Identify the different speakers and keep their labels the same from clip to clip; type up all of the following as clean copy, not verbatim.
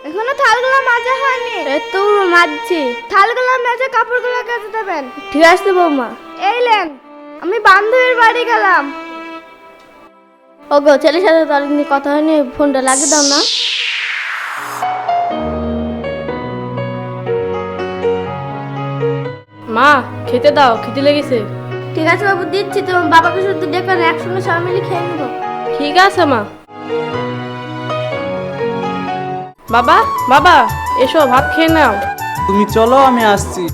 Speaker 1: এখনো থালগুলো মাজা হয়নি।
Speaker 2: এই তো মাজছি।
Speaker 1: থালগুলো মেজে কাপড়গুলো কেচে দেবেন।
Speaker 2: ঠিক আছে বৌমা।
Speaker 1: এই লেন, আমি বান্ধবীর বাড়ি গেলাম।
Speaker 2: ওগো, ছেলের সাথে তো অনেকদিন কথা হয়নি, ফোনটা লাগিয়ে দাও না।
Speaker 3: মা, খেতে দাও, খিদে লেগেছে।
Speaker 2: ঠিক আছে বাবু, দিচ্ছি। তোমার বাবাকে শুধু ডেকে না, একসঙ্গে সবাই মিলে খেয়ে নেবো।
Speaker 3: ঠিক আছে মা। বাবা, বাবা, এসো ভাত খেয়ে নাও।
Speaker 4: তুমি চলো, আমি আসছি।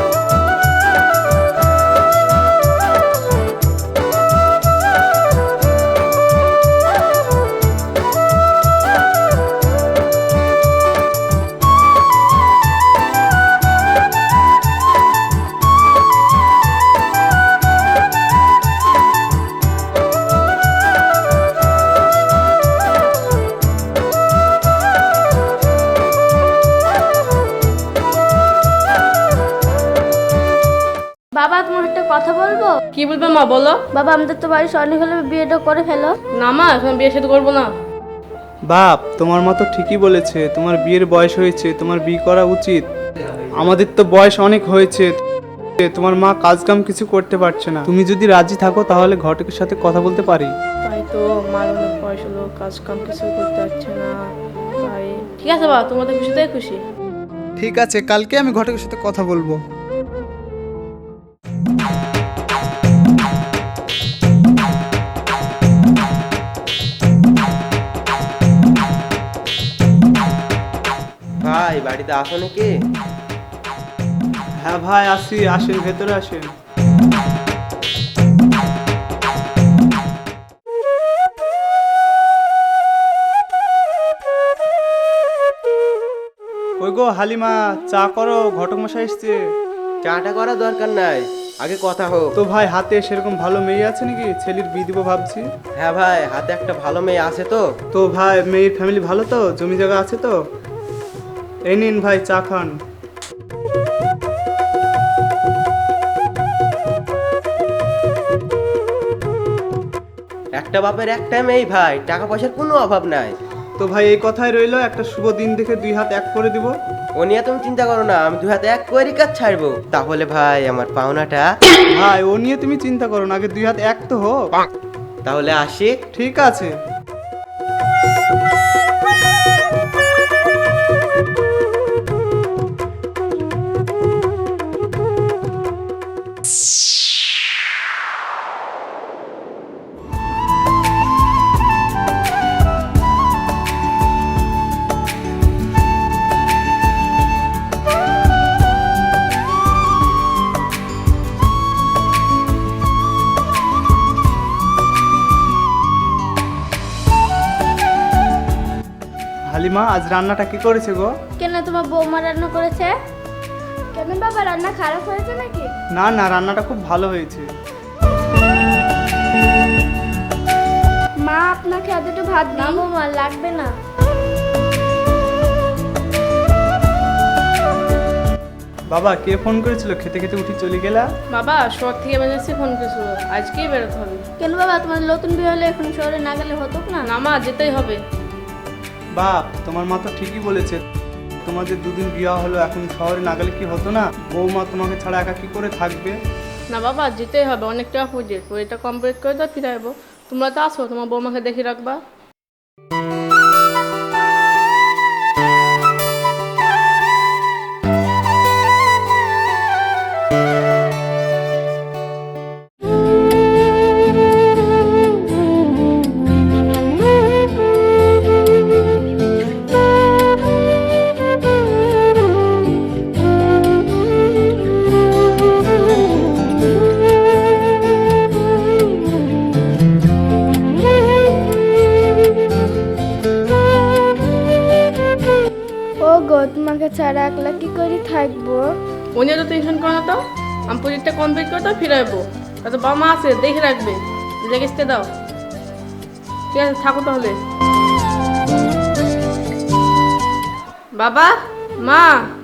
Speaker 2: বাবা, তোমার একটা কথা বলবো?
Speaker 3: কি বলবে মা, বলো।
Speaker 2: বাবা, আমাদের তো বাড়ির অনেক হলে বিয়েটা করে ফেলো।
Speaker 3: না মা, এখন বিয়ে শাদী করবো না।
Speaker 4: বাপ, তোমার মা তো ঠিকই বলেছে, তোমার বিয়ের বয়স হয়েছে, তোমার বিয়ে করা উচিত। আমাদের তো বয়স অনেক হয়েছে, তোমার মা কাজ কাম কিছু করতে পারছে না। তুমি যদি রাজি থাকো তাহলে ঘটকের সাথে কথা বলতে পারি।
Speaker 3: তাই তো, মার অনেক বয়স হলো, কাজ কাম কিছু করতে পারছে না। তাই ঠিক আছে বাবা, তোমাদের খুশিতেই খুশি।
Speaker 4: ঠিক আছে, কালকে আমি ঘটকের সাথে কথা বলবো।
Speaker 5: ভাই, বাড়িতে আসো নাকি?
Speaker 4: হ্যাঁ ভাই, আসি। আসেন, ভেতরে আসেন। কই গো হালিমা, চা করো, ঘটক মশাই এসছে।
Speaker 5: চাটা করার দরকার নাই, আগে কথা হোক।
Speaker 4: তো ভাই, হাতে সেরকম ভালো মেয়ে আছে নাকি? ছেলের বিয়ে দিব ভাবছি।
Speaker 5: হ্যাঁ ভাই, হাতে একটা ভালো মেয়ে আছে তো।
Speaker 4: তো ভাই, মেয়ের ফ্যামিলি ভালো তো? জমি জায়গা আছে তো? এই নিন ভাই, চা খান।
Speaker 5: একটা বাপের একটা মেয়ে ভাই, টাকা পয়সার কোনো অভাব নাই।
Speaker 4: তো ভাই, এই কথাই রইলো, একটা শুভ দিন দেখে দুই হাত এক করে দিব।
Speaker 5: ও নিয়ে তুমি চিন্তা করো না, আমি দুই হাতে এক করে কাজ ছাড়বো। তাহলে ভাই, আমার পাওনাটা।
Speaker 4: ভাই, ও নিয়ে তুমি চিন্তা করো না, আগে দুই হাত এক তো হোক।
Speaker 5: তাহলে আসি।
Speaker 4: ঠিক আছে। হালিমা, আজ রান্নাটা কি করেছে গো?
Speaker 2: কেন, তোমার বৌমা রান্না করেছে?
Speaker 1: কেন বাবা, রান্না খারাপ হয়েছে নাকি?
Speaker 4: না না, রান্নাটা খুব ভালো হয়েছে।
Speaker 1: মা, আপনাকে আর দুটো ভাত
Speaker 2: না
Speaker 1: দিই?
Speaker 2: বৌমা, লাগবে না।
Speaker 4: বাবা, কে ফোন করেছিল? খেতে খেতে উঠি চলে গেলা।
Speaker 3: বাবা, শহর থেকে বেরিয়েছি, ফোন করেছিল, আজকেই বেরোতে হবে।
Speaker 2: কেন বাবা, তোমার নতুন বিয়ে হলে এখন শহরে না গেলে হতো না?
Speaker 3: না মা, যেতেই হবে।
Speaker 4: বাপ, তোমার মা তো ঠিকই বলেছে, তোমাদের দুদিন বিয়ে হলো, এখন শহরে না গেলে কি হতো না? বৌমা তোমাকে ছাড়া একা কি করে থাকবে?
Speaker 3: না বাবা, যেতেই হবে, অনেকটা প্রজেক্ট, ওইটা কমপ্লিট করে তো ফিরে আসবো। তোমরা তো আসো, তোমার বৌমাকে দেখে রাখবা।
Speaker 1: ও গো, তোমাকে ছাড়া একলা কি করে থাকবো?
Speaker 3: ও নিয়ে তো টেনশন করো না তো, আমি প্রজেক্টটা কমপ্লিট করে তো ফিরে আসবো। তো বাবা মা আছে, দেখে রাখবে, রেখে দাও। ঠিক আছে, থাকো তাহলে। বাবা, মা,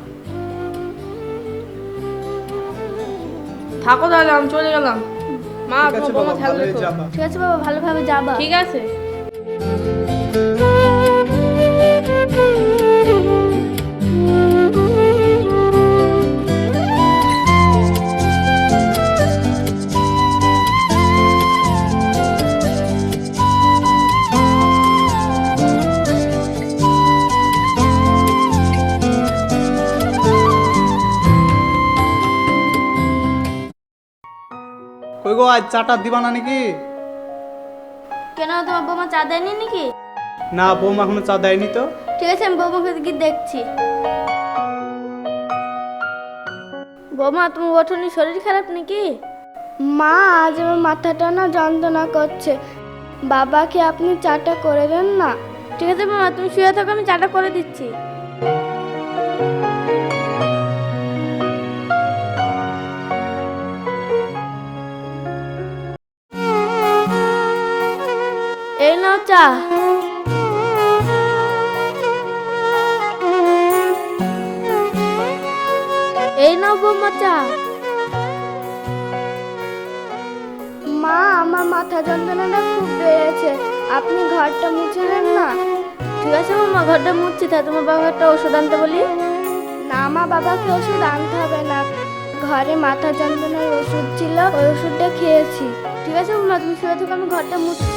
Speaker 3: থাকো তাহলে, আমি চলে গেলাম। মা,
Speaker 4: ঠিক আছে
Speaker 3: তোমার বৌমা
Speaker 4: বাবা,
Speaker 3: খেয়াল
Speaker 4: ভালোই
Speaker 3: রেখো।
Speaker 4: যাবা।
Speaker 2: ঠিক আছে বাবা, ভালোভাবে যাবা।
Speaker 3: ঠিক আছে।
Speaker 4: গো, আজ চাটা দিবা না নাকি?
Speaker 2: কেন তোমার বৌমা চা দেয়নি নাকি?
Speaker 4: না, বৌমা এখনো চা দেয়নি তো।
Speaker 2: ঠিক আছে, আমি বৌমাকে গিয়ে দেখছি। বৌমা, তুমি ওঠোনি, শরীর খারাপ নাকি?
Speaker 1: মা, আজ আমার মাথাটা না যন্ত্রণা করছে। বাবাকে আপনি চাটা করে দেন না।
Speaker 2: ঠিক আছে বৌমা, তুমি শুয়ে থাকো, আমি চাটা করে দিচ্ছি। এই নাও চা। এই নাও বৌমা চা।
Speaker 1: মা, আমার মাথা যন্ত্রণাটা খুব বেড়েছে, আপনি ঘরটা মুছে নেন না।
Speaker 2: ঠিক আছে বৌমা, ঘরটা মুছছি। তাই তোমার বাবা একটা ওষুধ আনতে বলি?
Speaker 1: না মা, বাবাকে ওষুধ আনতে হবে না। ঘরে মাথা যন্ত্রণার ওষুধ ছিল, ওই ওষুধটা খেয়েছি।
Speaker 2: ঠিক আছে বৌমা, তুমি শুয়ে থাকো, আমি ঘরটা মুছছি।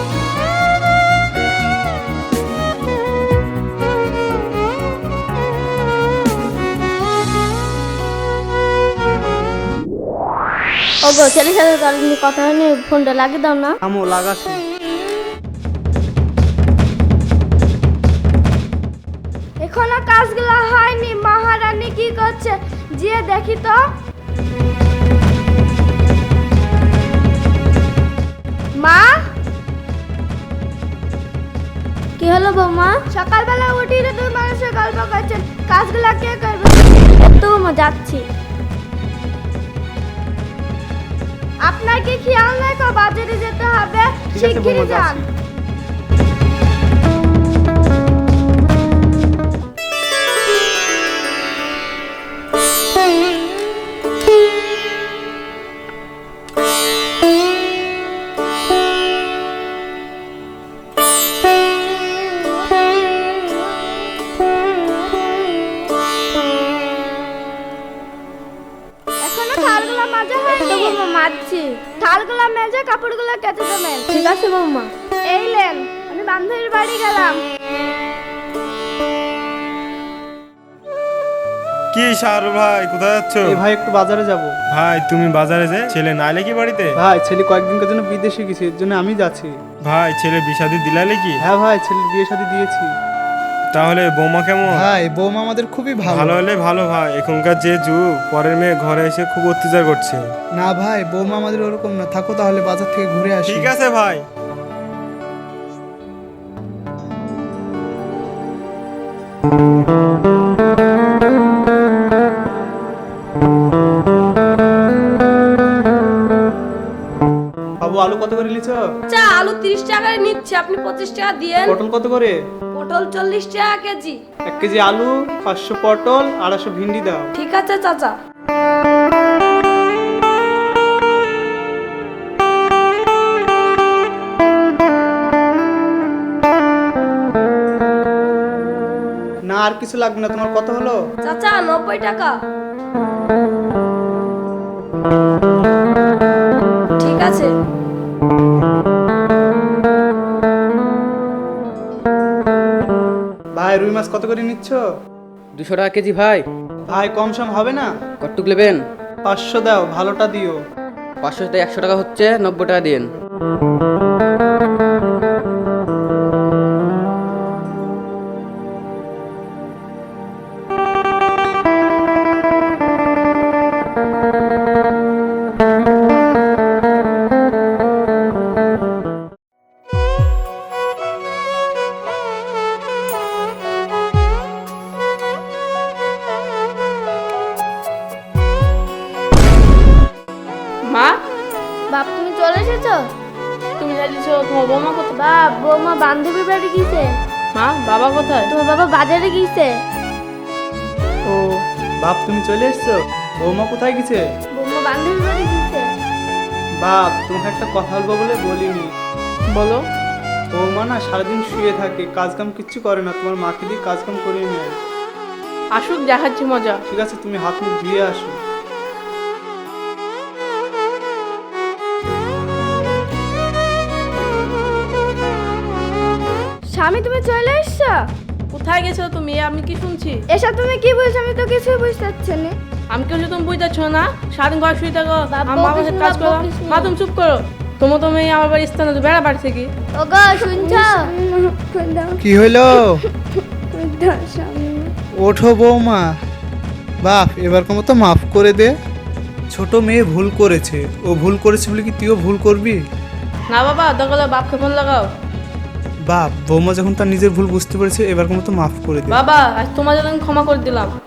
Speaker 2: ওগো, ছেলের সাথে তো অনেকদিন কথা হয়নি, ফোনটা লাগিয়ে দাও না।
Speaker 4: আমো লাগাছি।
Speaker 1: এখনো কাজগুলো হয়নি, মহারানী কি করছে গিয়ে দেখি তো। মা,
Speaker 2: কি হলো বৌমা?
Speaker 1: সকালবেলা উঠি তো দুই মানুষের গল্প করছেন, কাজগুলো কে করবে?
Speaker 2: তো বৌমা, যাচ্ছি।
Speaker 1: আপনার কি খেয়াল নাই তো বাজারে যেতে হবে?
Speaker 4: ঠিক আছে বৌমা,
Speaker 1: শিগগিরই যান।
Speaker 4: যাচ্ছি।
Speaker 1: এখনো থালগুলো মাজা
Speaker 2: তো
Speaker 1: হয়নি।
Speaker 2: বৌমা, মাজছি।
Speaker 1: থালগুলো মেজে কাপড়গুলো কেটে দেবেন।
Speaker 2: ঠিক আছে বৌমা।
Speaker 1: এই লেন, আমি বান্ধবীর বাড়ি গেলাম।
Speaker 6: কি শাহরুখ ভাই, কোথায় যাচ্ছ?
Speaker 4: এই ভাই, একটু বাজারে যাব।
Speaker 6: ভাই তুমি বাজারে যে ছেলে নাইলে কি বাড়িতে?
Speaker 4: ভাই, ছেলে কয়েকদিনের জন্য বিদেশে গেছে, এর জন্য আমি যাচ্ছি।
Speaker 6: ভাই ছেলে বিষাদি দিলালে কি?
Speaker 4: হ্যাঁ ভাই, ছেলের বিয়ে শাদী দিয়েছি।
Speaker 6: তাহলে বৌমা কেমন?
Speaker 4: ভাই, বৌমা আমাদের খুবই
Speaker 6: ভালো হলে ভালো ভাই, এখনকার যে যুগ, পরের মেয়ে ঘরে এসে খুব অত্যাচার করছে।
Speaker 4: না ভাই, বৌমা আমাদের ওরকম না। থাকো তাহলে, বাজার থেকে ঘুরে আসি।
Speaker 6: ঠিক আছে ভাই।
Speaker 4: বাবু, আলু কত করে নিচ্ছ?
Speaker 3: চা আলু 30 টাকায় নিচ্ছে, আপনি 25 টাকা দিয়েন।
Speaker 4: পটল কত করে?
Speaker 3: পটল 40 টাকা কেজি।
Speaker 4: 1 কেজি আলু, 500 পটল, 250 ভিন্ডি দাও।
Speaker 3: ঠিক আছে চাচা।
Speaker 4: না, আর কিছু লাগবে না। তোমার কত হলো?
Speaker 3: চাচা 90 টাকা। ঠিক আছে।
Speaker 4: ভাই, রুই মাছ কত করে নিচ্ছ?
Speaker 7: 200 টাকা কেজি ভাই।
Speaker 4: ভাই, কম সম হবে না?
Speaker 7: কতটুক নেবেন?
Speaker 4: 500 দাও, ভালোটা দিও।
Speaker 7: 500 থেকে 100 টাকা হচ্ছে, 90 টাকা দিন।
Speaker 3: মা,
Speaker 2: বাপ, তুমি চলে এসেছো?
Speaker 3: তুমি জানিছো তোমার বৌমা কোথায়?
Speaker 2: বাপ, বৌমা বান্ধবীর বাড়ি গিয়েছে।
Speaker 3: মা, বাবা কোথায়?
Speaker 2: তোমার বাবা বাজারে গিয়েছে।
Speaker 3: ও,
Speaker 4: বাপ, তুমি চলে এসছো? বৌমা কোথায় গেছে?
Speaker 2: বৌমা বান্ধবীর বাড়ি গিয়েছে।
Speaker 4: বাপ, তোমাকে একটা কথা বলবো বলে বলিনি।
Speaker 3: বলো।
Speaker 4: বৌমা না সারাদিন শুয়ে থাকে, কাজ কাম কিচ্ছু করে না। তোমার মাকে দিয়ে কাজ কাম করিয়ে নেয়।
Speaker 3: আসুক, দেখাচ্ছি মজা।
Speaker 4: ঠিক আছে, তুমি হাত মুখ ধুয়ে আসো।
Speaker 1: স্বামী, তুমি চলে এসছো?
Speaker 3: কোথায় গেছো তুমি? আমি কি শুনছি?
Speaker 1: এসব তুমি কি বলছো? আমি তো কিছুই বুঝতে পারছি না।
Speaker 3: আমি কেউ তুমি বুঝতেছ না, সারাদিন ঘর শুয়ে থাকো,
Speaker 1: বাবা,
Speaker 3: আমার বাবার সাথে কাজ করো।
Speaker 1: বকিস না।
Speaker 3: মা তুমি চুপ করো, তোমার তো মেয়ে আমার বাড়ির স্থানে তো বেড়া বাড়ছে কি?
Speaker 1: ওগো শুনছো?
Speaker 4: কি হইলো? ওঠো বৌমা। বাপ এবারকার মতো মাফ করে দে। ছোট মেয়ে ভুল করেছে, ও ভুল করেছে বলে কি তুইও ভুল করবি?
Speaker 3: না বাবা, দরকার হলে বাপকে ফোন লাগাও।
Speaker 4: বাপ বৌমা যখন তার নিজের ভুল বুঝতে পেরেছে এবারকার মতো মাফ করে দে।
Speaker 3: বাবা আজ তোমার জন্য আমি ক্ষমা করে দিলাম।